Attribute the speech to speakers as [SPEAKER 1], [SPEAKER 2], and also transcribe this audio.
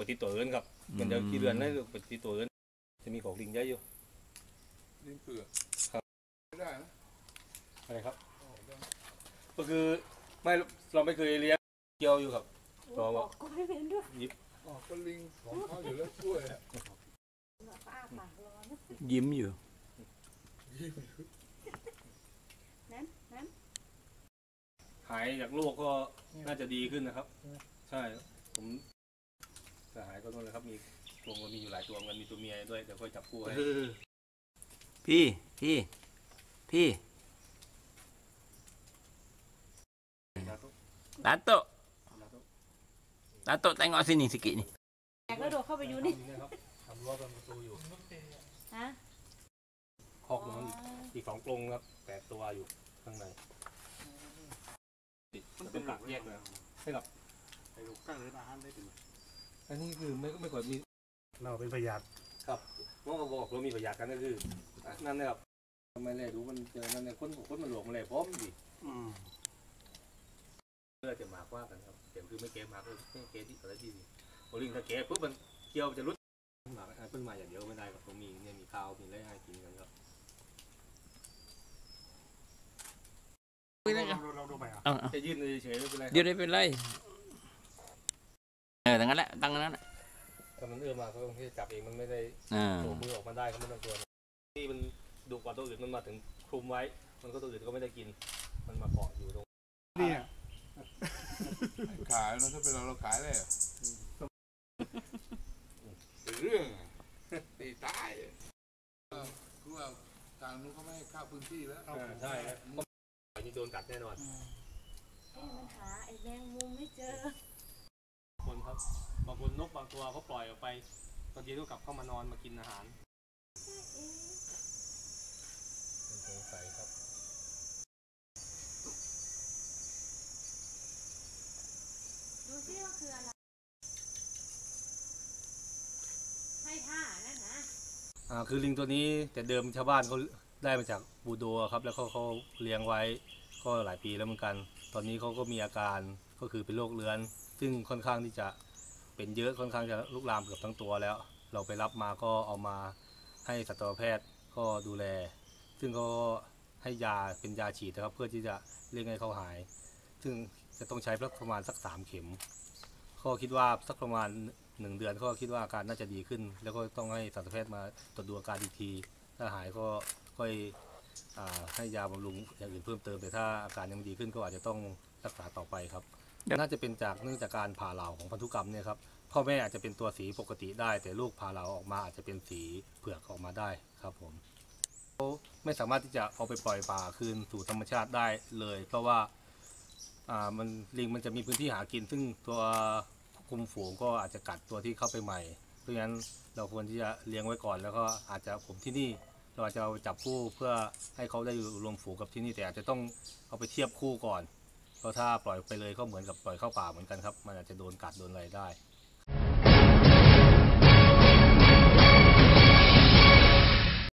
[SPEAKER 1] ฏิตัวอื่นครับมันจะกี่เดือนได้ปฏิตัวอื่นจะมีของลิงเยอะอยู่
[SPEAKER 2] ลิงเผือก
[SPEAKER 1] ครับ
[SPEAKER 2] ไม่ได้นะ
[SPEAKER 1] อะไรครับก็คือไม่เราไม่เคยเลี้ยงเกี่ยวอยู่ครับเรา
[SPEAKER 3] ก็ไม่เป็นด้วย
[SPEAKER 1] ยิบ
[SPEAKER 2] ก็ลิงของเขาอยู่แล้วช่วย
[SPEAKER 4] ยิ้มอยู่
[SPEAKER 3] นั้น
[SPEAKER 1] หายจากโรคก็น่าจะดีขึ้นนะครับใช่ผมจะหายก็นั่นเลยครับมีตัวมันมีอยู่หลายตัวมันมีตัวเมียด้วยเดี๋ยวค่อยจับคู่ให้
[SPEAKER 4] พี่Dato tengok sini sikit ni
[SPEAKER 3] แกก็โดดเข้าไปอยู่นี่
[SPEAKER 1] ครับทำรั้วเป็นประตูอยู่
[SPEAKER 3] ฮะ
[SPEAKER 1] คอกมันอีก2 กรงครับ8 ตัวอยู่ข้างในมันเป็นหลักแยกเลยให้กับไปดูข้างเลยอาหารได้ถึงอันนี้คือไม่ค่อยมีเราเป็นพยาธิครับเมื่อบอกเรามีพยาธิกันก็คือนั่นนะครับทำไมเลยรู้มันเจอนั่นในคนมันหลวมอะไรพร้อมดิเพื่อจะมากว่ากันครับเดี๋ยวคือไม่เก็บมากเลยไม่เก็บที่อะไรที่นี่โอลิงถ้าเก็บปุ๊บมันเกี่ยวจะรุดหมากเพิ่งมาอย่างเดียวไม่ได้ครับผมมีเนี่ยมีข้าวมีอะไรให้กินกันครับเราดูไปอ่ะจะยื่นเฉยๆไม่เป็นไร
[SPEAKER 4] ยืนได้เป็นไรตั้งนั้นแหละตั้งนั้น
[SPEAKER 1] ถ้ามันมาเขาต้องที่จับเองมันไม่ได้โผล่มือออกมาได้เขาไม่ต้องตัวนี่มันดุกว่าตัวอื่นมันมาถึงคลุมไว้มันก็ตัวอื่นก็ไม่ได้กินมันมาเกาะอยู่ตรง
[SPEAKER 2] นี่ขายแล้วถ้าเป็นเราขายเลยเรื่องตีตายคือว่าทางนู้นเขาไม่ให้เข้าพื้นที่แล้ว
[SPEAKER 1] ใช่ที่โดนกัดแน่นอน
[SPEAKER 3] มันหาไอ้แมงมุมไม่เจอ
[SPEAKER 1] คนครับบางคนนกบางตัวเขาปล่อยออกไปตอนเย็นก็กลับเข้ามานอนมากินอาหารเป็นสงสัยครับ
[SPEAKER 3] ดูซิว่าคืออะไรให้ท่านั่นนะ
[SPEAKER 1] คือลิงตัวนี้แต่เดิมชาวบ้านเขาได้มาจากบูโดครับแล้วเขาเลี้ยงไว้ก็หลายปีแล้วเหมือนกันตอนนี้เขาก็มีอาการก็คือเป็นโรคเรื้อนซึ่งค่อนข้างที่จะเป็นเยอะค่อนข้างจะลุกลามเกือบทั้งตัวแล้วเราไปรับมาก็เอามาให้สัตวแพทย์ก็ดูแลซึ่งก็ให้ยาเป็นยาฉีดนะครับเพื่อที่จะเร่งให้เขาหายซึ่งจะต้องใช้ประมาณสัก3 เข็มก็คิดว่าสักประมาณ1 เดือนก็คิดว่าอาการน่าจะดีขึ้นแล้วก็ต้องให้สัตวแพทย์มาตรวจดูอาการอีกทีถ้าหายก็ค่อยให้ยาบำรุงอย่างอื่นเพิ่มเติมแต่ถ้าอาการยังไม่ดีขึ้นก็อาจจะต้องรักษาต่อไปครับน่าจะเป็นเนื่องจากการผ่าเหลาของพันธุกรรมเนี่ยครับพ่อแม่อาจจะเป็นตัวสีปกติได้แต่ลูกผ่าเหลาออกมาอาจจะเป็นสีเผือกออกมาได้ครับผมเขาไม่สามารถที่จะเอาไปปล่อยป่าคืนสู่ธรรมชาติได้เลยเพราะว่าลิงมันจะมีพื้นที่หากินซึ่งตัวคุมฝูงก็อาจจะกัดตัวที่เข้าไปใหม่เพราะฉะนั้นเราควรที่จะเลี้ยงไว้ก่อนแล้วก็อาจจะผมที่นี่เราจะเอาจับคู่เพื่อให้เขาได้อยู่รวมฝูงกับที่นี่แต่อาจจะต้องเอาไปเทียบคู่ก่อนเพราะถ้าปล่อยไปเลยก็เหมือนกับปล่อยเข้าป่าเหมือนกันครับมันอาจจะโดนกัดโดนอะไรได้